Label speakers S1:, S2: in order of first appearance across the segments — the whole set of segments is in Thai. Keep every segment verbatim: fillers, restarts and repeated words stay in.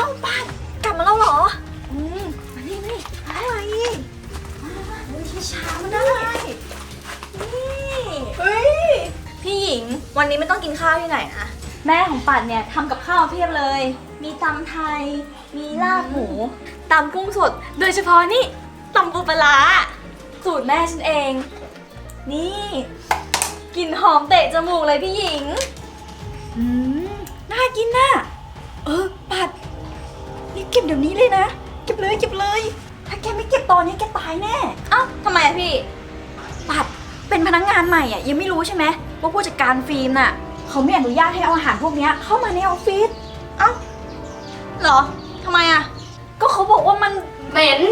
S1: ป้ากลับมาแล้วเหรออืมมานี่นี่อะไรเฮ้ยช้าๆมันได้นี่เฮ้ยพี่หญิงวันนี้ไม่ต้องกินข้าวที่ไหนนะแม่ของปัดเนี่ยทำกับข้าวเพียบเลย มีตำไทยมีลาบหมูตำกุ้งสดโดยเฉพาะนี่ตำปูปลาร้าสูตรแม่ฉันเอง นี่กลิ่นหอมเตะจมูกเลยพี่หญิงอืมน่ากินน่ะเออปัดนี่เก็บเดี๋ยวนี้เลยนะเก็บเลยเก็บเลยถ้าแกไม่เก็บตอนนี้แกตายแน่เอ้าทำไมอะพี่ปัดเป็นพนักงานใหม่อ่ะยังไม่รู้ใช่ไหมว่าผู้จัดการฟิล์มน่ะเขาไม่อนุญาตให้เอาอาหารพวกนี้เข้ามาในออฟฟิศเอ้าเหรอทำไมอ่ะก็เขาบอกว่ามัน
S2: เหม็น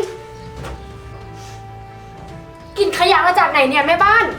S2: กลิ่นขยะมาจากไหนเนี่ยแม่บ้าน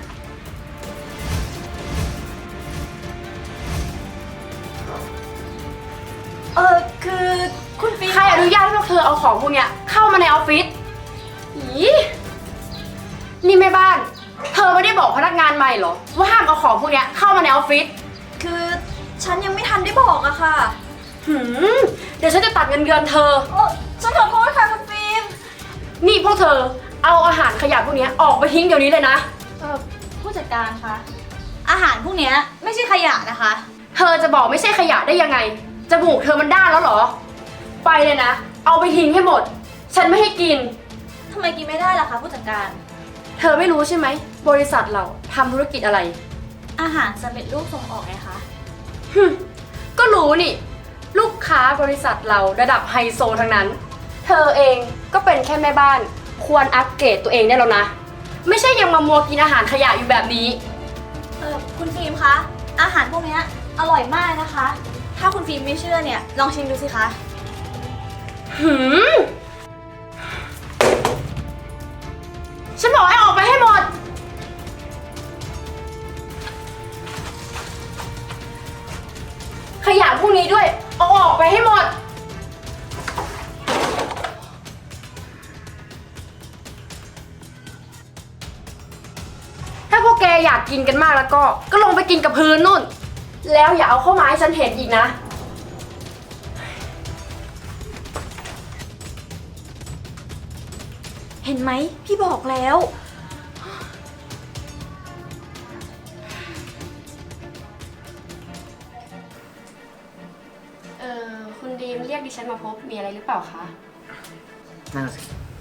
S1: เออคือคุณฟิล์ม
S2: ใครอนุญาตให้พวกเธอเอาของพวกเนี้ยเข้ามาในออฟฟิศอีนี่แม่บ้านเธอไม่ได้บอกพนักงานใหม่เหรอว่าห้ามเอาของพวกเนี้ยเข้ามาในออฟฟิศ
S1: คือฉันยังไม่ทันได้บอกอะค่ะ
S2: หืมเดี๋ยวฉันจะตัดเงินเดือนเธอ
S1: โอ้ฉันขอโทษค่ะคุณฟิล์ม
S2: นี่พวกเธอเอาอาหารขยะพวกเนี้ยออกไปทิ้งเดี๋ยวนี้เลยนะ
S1: เออผู้จัดการคะอาหารพวกเนี้ยไม่ใช่ขยะนะคะ
S2: เธอจะบอกไม่ใช่ขยะได้ยังไงจมูกเธอมันด้านแล้วเหรอไปเลยนะเอาไปทิ้งให้หมดฉันไม่ให้กิน
S1: ทำไมกินไม่ได้ล่ะคะผู้จัดการ
S2: เธอไม่รู้ใช่ไหมบริษัทเราทำธุรกิจอะไร
S1: อาหารสำเร็จรูปส่งออกไงคะ
S2: ฮึก็รู้นี่ลูกค้าบริษัทเราระดับไฮโซทั้งนั้นเธอเองก็เป็นแค่แม่บ้านควรอัปเกรดตัวเองได้แล้วนะไม่ใช่ยังมามัวกินอาหารขยะอยู่แบบนี้
S1: เออคุณฟิล์มคะอาหารพวกนี้อร่อยมากนะคะถ้าคุณฟิล์มไม่เชื่อเนี่ยลองชิมดูสิคะ
S2: หืมฉันบอกให้ออกไปให้หมดขยะพวกนี้ด้วยเอาออกไปให้หมดถ้าพวกแกอยากกินกันมากแล้วก็ก็ลงไปกินกับพื้นนู่นแล้วอย่าเอาเข้ามาให้ฉันเห็นอีกนะ
S1: เห็นไหมพี่บอกแล้ว
S2: เออคุณดีมเรียกดิฉันมาพบมีอะไรหรือเปล่าคะ
S3: น่าสิ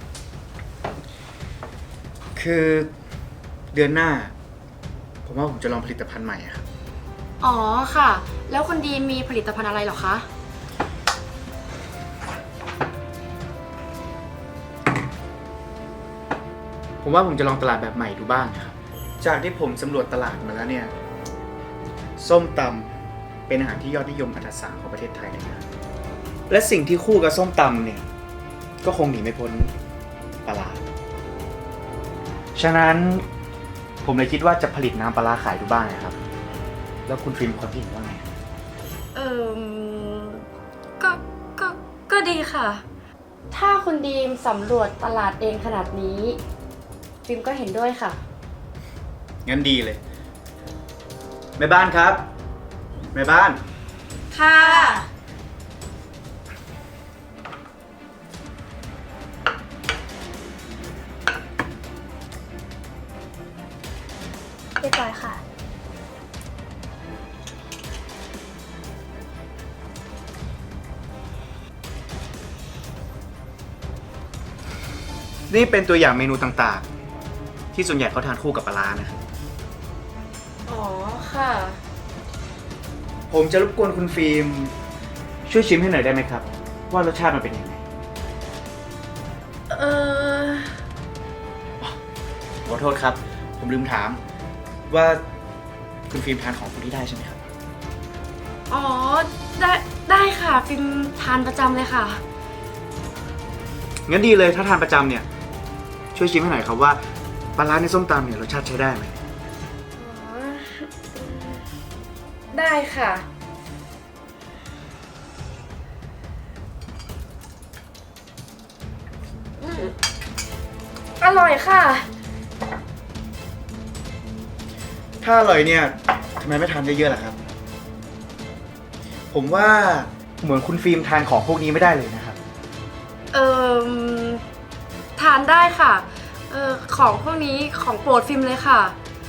S3: คือเดือนหน้าผมว่าผมจะลองผลิตภัณฑ์ใหม่ครับ
S2: อ๋อค่ะแล้วคุณดีมมีผลิตภัณฑ์อะไรหรอคะ
S3: ผมว่าผมจะลองตลาดแบบใหม่ดูบ้างครับจากที่ผมสำรวจตลาดมาแล้วเนี่ยส้มตำเป็นอาหารที่ยอดนิยมอันดับสามของประเทศไทยเลยนะและสิ่งที่คู่กับส้มตำเนี่ยก็คงหนีไม่พ้นปลาร้าฉะนั้นผมเลยคิดว่าจะผลิตน้ำปลาร้าขายดูบ้างนะครับแล้วคุณฟิล์มความคิดเห็นว่าไง
S2: เออก็ก็ก็ดีค่ะถ้าคุณดีมสำรวจตลาดเองขนาดนี้ฟิล์มก็เห็นด้วยค่ะ
S3: งั้นดีเลยแม่บ้านครับแม่บ้าน
S1: ค่ะเรียบร้อยค่ะ
S3: นี่เป็นตัวอย่างเมนูต่างๆที่ส่วนใหญ่เขาทานคู่กับปลาร้านะครับ
S2: อ๋อค่ะ
S3: ผมจะรบกวนคุณฟิล์มช่วยชิมให้หน่อยได้ไหมครับว่ารสชาติมันเป็นยังไง
S2: เออ
S3: ขอโทษครับผมลืมถามว่าคุณฟิล์มทานของพวกนี้ได้ใช่ไหมครับ
S2: อ๋อได้ได้ค่ะฟิล์มทานประจำเลยค่ะ
S3: งั้นดีเลยถ้าทานประจำเนี่ยช่วยชิมให้หน่อยครับว่าปลาร้าในส้มตำเนี่ยรสชาติใช้ได้ไหม
S2: อ๋อได้ค่ะอร่อยค่ะ
S3: ถ้าอร่อยเนี่ยทำไมไม่ทานเยอะๆล่ะครับผมว่าเหมือนคุณฟิล์มทานของพวกนี้ไม่ได้เลยนะครับ
S2: เอ่อทานได้ค่ะเอ่อของพวกนี้ของโปรดฟิล์มเลยค่ะ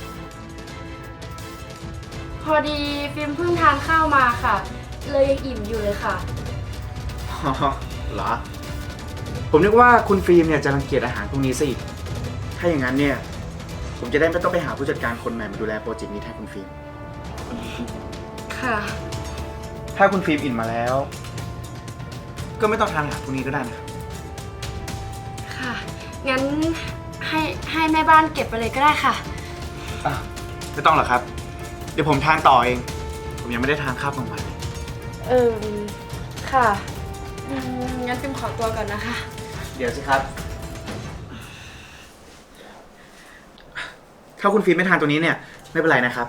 S2: พอดีฟิล์มเพิ่งทานข้าวมาค่ะ เลยยังอิ่มอยู่เลยค่ะ
S3: อ๋อเหรอ ผมนึกว่าคุณฟิล์มเนี่ยจะรังเกียจอาหารพวกนี้ซะอีก ถ้าอย่างนั้นเนี่ย ผมจะได้ไม่ต้องไปหาผู้จัดการคนใหม่มาดูแลโปรเจกต์นี้แทนคุณฟิล์ม
S2: ค่ะ
S3: ถ้าคุณฟิล์มอิ่มมาแล้ว ก็ไม่ต้องทานอาหารพวกนี้ก็ได้นะครับ
S2: ค่ะ งั้นให้ให้แม่บ้านเก็บไปเลยก็ได้ค่ะ
S3: อ่ะไม่ต้องหรอกครับ เดี๋ยวผมทานต่อเอง ผมยังไม่ได้ทานข้าวกลางวันเลย
S2: เออค่ะอืมงั้นฟิล์มขอตัวก่อนนะคะ
S3: เดี๋ยวสิครับ ถ้าคุณฟิล์มไม่ทานตัวนี้เนี่ย ไม่เป็นไรนะครับ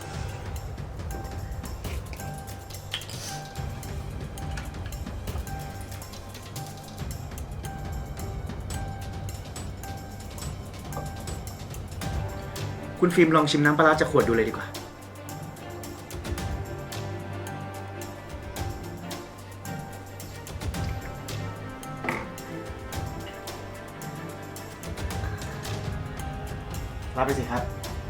S3: คุณฟิล์มลองชิมน้ำปลาร้าจากขวดดูเลยดีกว่า รับไปสิครับ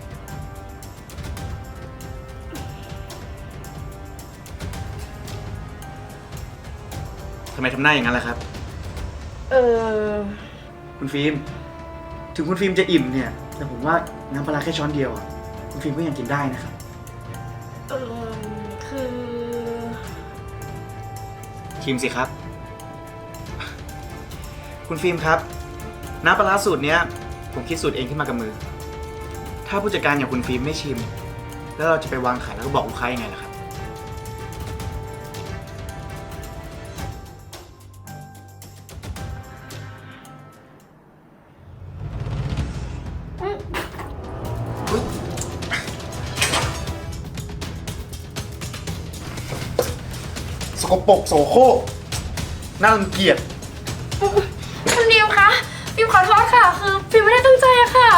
S3: ทำไมทำหน้าอย่างนั้นล่ะครับ
S2: เออ
S3: คุณฟิล์ม ถึงคุณฟิล์มจะอิ่มเนี่ย แต่ผมว่าน้ำปลาร้าแค่ช้อนเดียวอะคุณฟิล์มก็ยังกินได้นะครับ
S2: เออคือ
S3: ชิมสิครับ คุณฟิล์มครับ น้ำปลาร้าสูตรเนี้ย ผมคิดสูตรเองขึ้นมากับมือ ถ้าผู้จัดการอย่างคุณฟิล์มไม่ชิม แล้วเราจะไปวางขายแล้วก็บอกลูกค้ายังไงล่ะครับ สกปรกโสโครกน่ารังเกียจ
S2: คุณดิวคะฟิล์มขอโทษค่ะ คือฟิล์มไม่ได้ตั้งใจอะค่ะ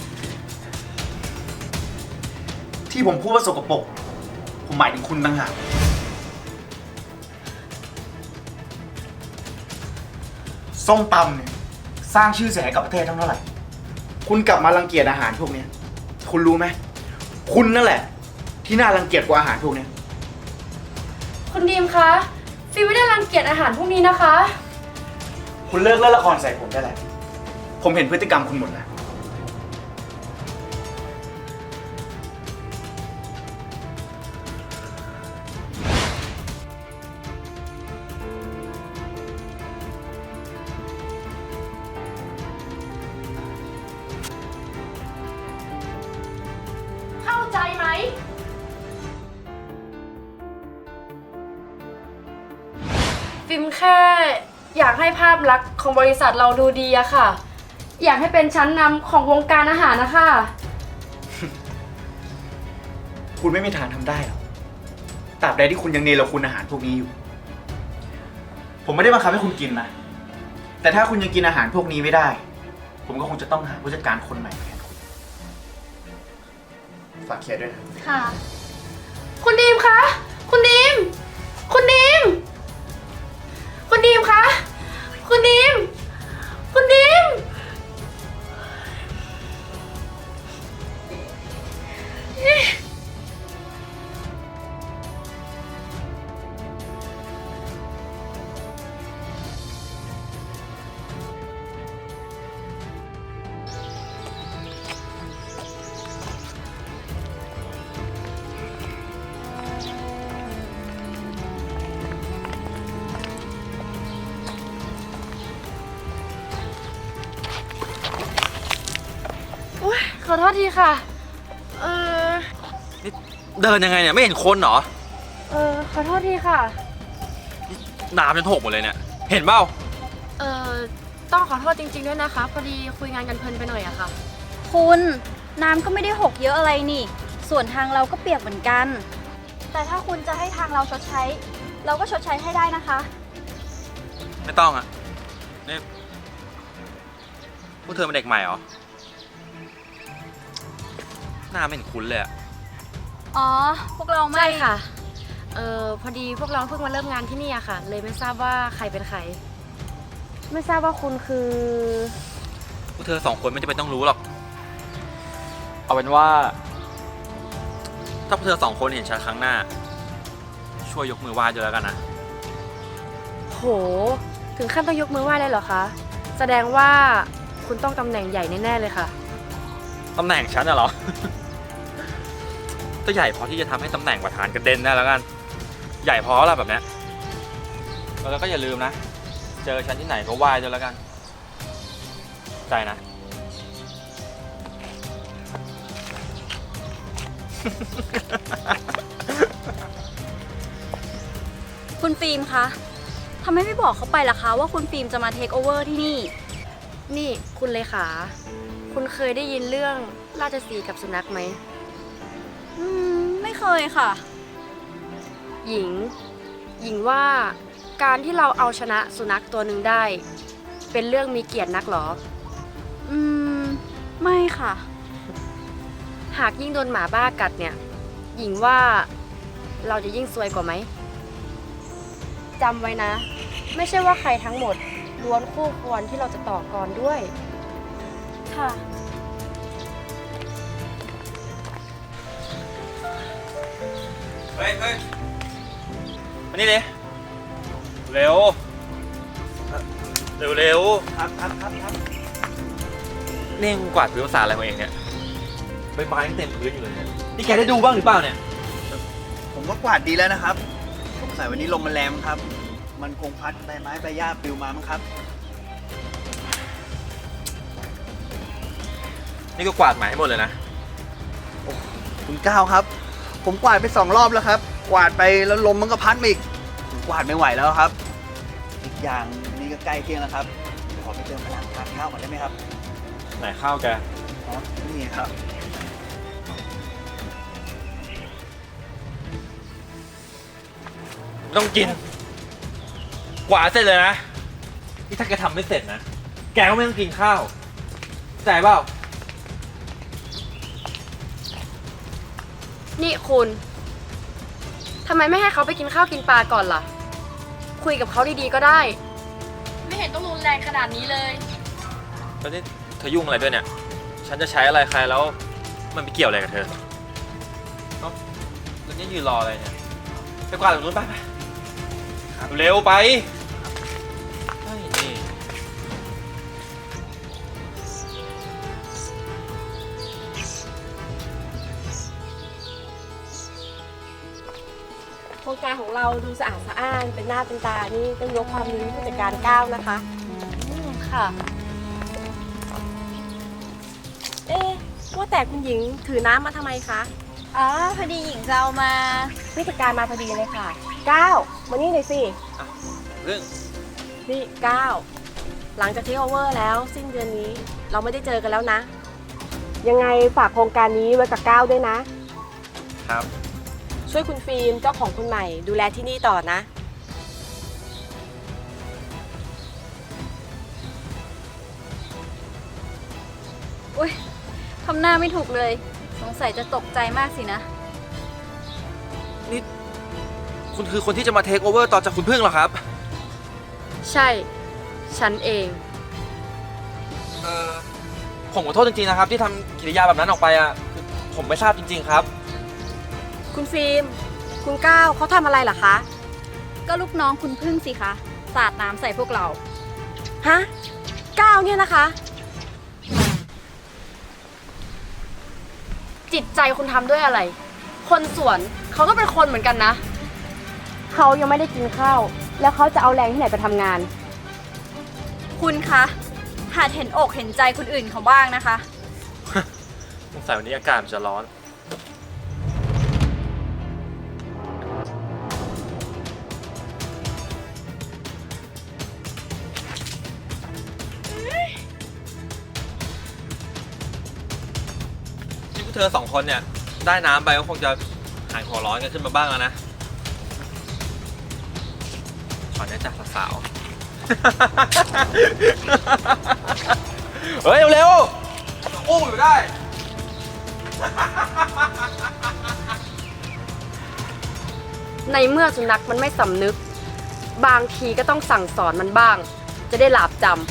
S3: ที่ผมพูดว่าสกปรก ผมหมายถึงคุณต่างหากส้มตำเนี่ยสร้างชื่อเสียงให้กับประเทศทั้งเท่าไหร่ คุณกลับมารังเกียจอาหารพวกเนี้ย คุณรู้ไหม คุณนั่นแหละ ที่น่ารังเกียจกว่าอาหารพวกเนี้ย
S2: คุณดิมคะฟิล์มไม่ได้รังเกียจอาหารพวกนี้นะคะ
S3: คุณเลิกเล่นละครใส่ผมได้แล้ว ผมเห็นพฤติกรรมคุณหมดแล้ว
S2: เข้าใจไหม ฟิล์มแค่อยากให้ภาพลักษณ์ของบริษัทเราดูดีอะค่ะ อยากให้เป็นชั้นนำของวงการอาหารนะคะ
S3: คุณไม่มีทางทำได้หรอกตราบใดที่คุณยังเนรคุณอาหารพวกนี้อยู่ ผมไม่ได้บังคับให้คุณกินนะ แต่ถ้าคุณยังกินอาหารพวกนี้ไม่ได้ ผมก็คงจะต้องหาผู้จัดการคนใหม่แทนคุณ ฝากเคลียร์ด้วยนะ
S1: ค่ะ
S2: คุณดีมคะ คุณดีม คุณดีม คุณดีมคะ คุณดีม คุณดีม อุ๊ยขอโทษทีค่ะ เออ
S4: นี่เดินยังไงเนี่ยไม่เห็นคนเหรอ
S2: เออ ขอโทษทีค่ะ
S4: น้ำจนหกหมดเลยเนี่ย เห็นเปล่า
S2: เออต้องขอโทษจริงๆด้วยนะคะ พอดีคุยงานกันเพลินไปหน่อยอะค่ะ
S1: คุณน้ำก็ไม่ได้หกเยอะอะไรนี่ ส่วนทางเราก็เปียกเหมือนกัน แต่ถ้าคุณจะให้ทางเราชดใช้ เราก็ชดใช้ให้ได้นะคะ
S4: ไม่ต้องอ่ะนี่พวกเธอเป็นเด็กใหม่เหรอ หน้าไม่เห็นคุ้นเลยอะ
S1: อ๋อ พวกเราไม่
S2: ใช่ค่ะเออพอดีพวกเราเพิ่งมาเริ่มงานที่นี่อะค่ะ เลยไม่ทราบว่าใครเป็นใคร ไม่ทราบว่าคุณคือ
S4: พวกเธอสองคนไม่จำเป็นต้องรู้หรอก เอาเป็นว่า ถ้าพวกเธอสองคนเห็นฉันครั้งหน้า ช่วยยกมือไหว้ด้วยแล้วกันนะ
S2: โห ถึงขั้นต้องยกมือไหว้เลยเหรอคะ แสดงว่าคุณต้องตำแหน่งใหญ่แน่ๆเลยค่ะ
S4: ตำแหน่งฉันน่ะเหรอ ก็ใหญ่พอที่จะทำให้ตำแหน่งประธานกระเด็นได้แล้วกัน ใหญ่พอแล้วแบบเนี้ยแล้วก็อย่าลืมนะ เจอฉันที่ไหนก็ไหว้ด้วยแล้วกัน ใจนะ
S1: คุณฟิล์มคะทำไมไม่บอกเขาไปล่ะคะว่าคุณฟิล์มจะมาเทคโอเวอร์ที่นี่
S2: นี่คุณเลขา คุณเคยได้ยินเรื่องราชสีห์กับสุนัขไหม
S1: อืม ไม่เคยค่ะ
S2: หญิง หญิงว่าการที่เราเอาชนะสุนัขตัวหนึ่งได้ เป็นเรื่องมีเกียรตินักหรอ
S1: อืม ไม่ค่ะ
S2: หากยิ่งโดนหมาบ้ากัดเนี่ย หญิงว่าเราจะยิ่งซวยกว่าไหมจำไว้นะ ไม่ใช่ว่าใครทั้งหมดล้วนคู่ควรที่เราจะต่อกรด้วย
S1: ค่ะ
S4: เฮ้ยเฮ้ยมานี่ดิเร็ว เร็วเร็ว
S3: ครับครับครับครับ
S4: เร่งกวาดพื้นภาษาอะไรของเองเนี่ยใบไม้ยังเต็มพื้นอยู่เลยเนี่ยนี่แกได้ดูบ้างหรือเปล่าเนี่ย
S3: ผมก็กวาดดีแล้วนะครับสงสัยวันนี้ลมมันแรงมั้งครับ มันคงพัดใบไม้ใบหญ้าปลิวมามั้งครับ
S4: นี่ก็กวาดหมาให้หมดเลยนะ
S3: คุณก้าวครับ ผมกวาดไปสองรอบแล้วครับ กวาดไปแล้วลมมันก็พัดมาอีกผมกวาดไม่ไหวแล้วครับ อีกอย่างนี่ก็ใกล้เที่ยงแล้วครับขอไปเติมพลังทานข้าวก่อนได้ไหมครับ
S4: ไหนข้าวแก
S3: อ๋อนี่ครับ
S4: ไม่ต้องกิน กวาดเสร็จเลยนะ นี่ถ้าแกทำไม่เสร็จนะ แกก็ไม่ต้องกินข้าวใจเปล่า
S2: นี่คุณทำไมไม่ให้เขาไปกินข้าวกินปลาก่อนล่ะ คุยกับเขาดีๆก็ได้ ไม่เห็นต้องรุนแรงขนาดนี้เลย
S4: แล้วนี่เธอยุ่งอะไรด้วยเนี่ย ฉันจะใช้อะไรใครแล้วมันไปเกี่ยวอะไรกับเธอเอ้าแล้วนี่ยืนรออะไรเนี่ย ไปกวาดตรงนู้นไปไปเร็วไปเฮ้ยนี่
S5: โครงการของเราดูสะอาดสะอ้านเป็นหน้าเป็นตา นี่ต้องยกความดีให้ผู้จัดการก้าวนะคะ
S2: อืมค่ะ
S5: เอ๊ะว่าแต่คุณหญิงถือน้ำมาทำไมคะ
S1: อ๋อ พอดีหญิงจะเอามา
S5: ผู้จัดการมาพอดีเลยค่ะก้าวมานี่หน่อยสิ
S4: เรื่อง
S5: นี่ก้าวหลังจากเทคโอเวอร์แล้วสิ้นเดือนนี้เราไม่ได้เจอกันแล้วนะ ยังไงฝากโครงการนี้ไว้กับก้าวด้วยนะ
S4: ครับ
S5: ช่วยคุณฟิล์มเจ้าของคนใหม่ดูแลที่นี่ต่อนะ
S1: อุ้ยทำหน้าไม่ถูกเลย สงสัยจะตกใจมากสินะ
S4: นี่คุณคือคนที่จะมาเทคโอเวอร์ต่อจากคุณพึ่งเหรอครับ
S2: ใช่ ฉันเอง
S4: เออผมขอโทษจริงๆนะครับที่ทำกิริยาแบบนั้นออกไปอ่ะคือผมไม่ทราบจริงๆครับ
S5: คุณฟิล์มคุณก้าวเขาทำอะไรเหรอคะ
S1: ก็ลูกน้องคุณพึ่งสิคะ สาดน้ำใส่พวกเรา
S5: ฮะก้าวเนี่ยนะคะ
S2: จิตใจคุณทำด้วยอะไร คนสวนเขาก็เป็นคนเหมือนกันนะ เขายังไม่ได้กินข้าว แล้วเขาจะเอาแรงที่ไหนไปทำงาน
S1: คุณคะหัดเห็นอกเห็นใจคนอื่นเขาบ้างนะคะ
S4: สงสัยวันนี้อากาศมันจะร้อน ที่พวกเธอสองคนเนี่ย ได้น้ำไปก็คงจะหายหัวร้อนกันขึ้นมาบ้างแล้วนะ ขอแนะจากสาวๆ เฮ้ย เร็วๆอุ้มอยู่ได้ น
S2: ในเมื่อสุนัขมันไม่สำนึก บางทีก็ต้องสั่งสอนมันบ้าง จะได้หลาบจำ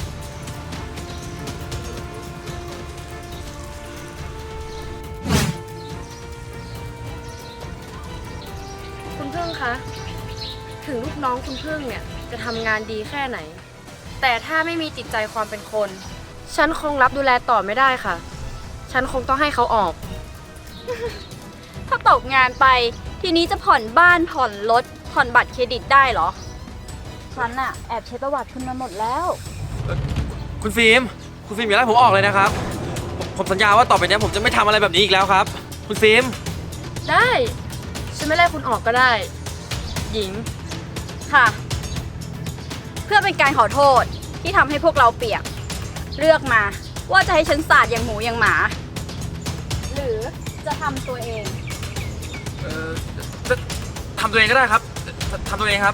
S2: คุณพึ่งคะ ถึงลูกน้องคุณพึ่งเนี่ยจะทำงานดีแค่ไหน แต่ถ้าไม่มีจิตใจความเป็นคน ฉันคงรับดูแลต่อไม่ได้ค่ะ ฉันคงต้องให้เขาออก
S1: ถ้าตกงานไปทีนี้จะผ่อนบ้านผ่อนรถผ่อนบัตรเครดิตได้เหรอ ฉันอะแอบเช็คประวัติคุณมาหมดแล้ว
S4: คุณฟิล์ม คุณฟิล์มอย่าไล่ผมออกเลยนะครับ ผมผมสัญญาว่าต่อไปนี้ผมจะไม่ทำอะไรแบบนี้อีกแล้วครับ คุณฟิล์ม
S2: ได้ ฉันไม่ไล่คุณออกก็ได้ หญิง
S1: ค่ะ เพื่อเป็นการขอโทษที่ทำให้พวกเราเปียก เลือกมาว่าจะให้ฉันสาดอย่างหมูอย่างหมา หรือจะทำตัวเอง
S4: เอ่อทำตัวเองก็ได้ครับทำตัวเองครับ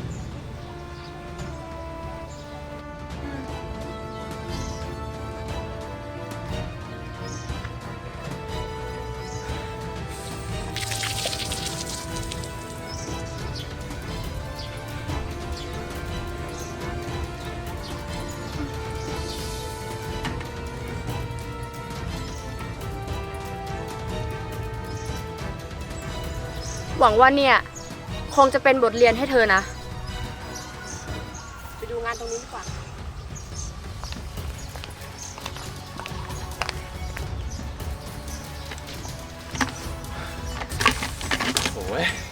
S2: หวังว่าเนี่ย คงจะเป็นบทเรียนให้เธอนะ
S5: ไปดูงานตรงนี้ดีกว่า
S4: โอ้ย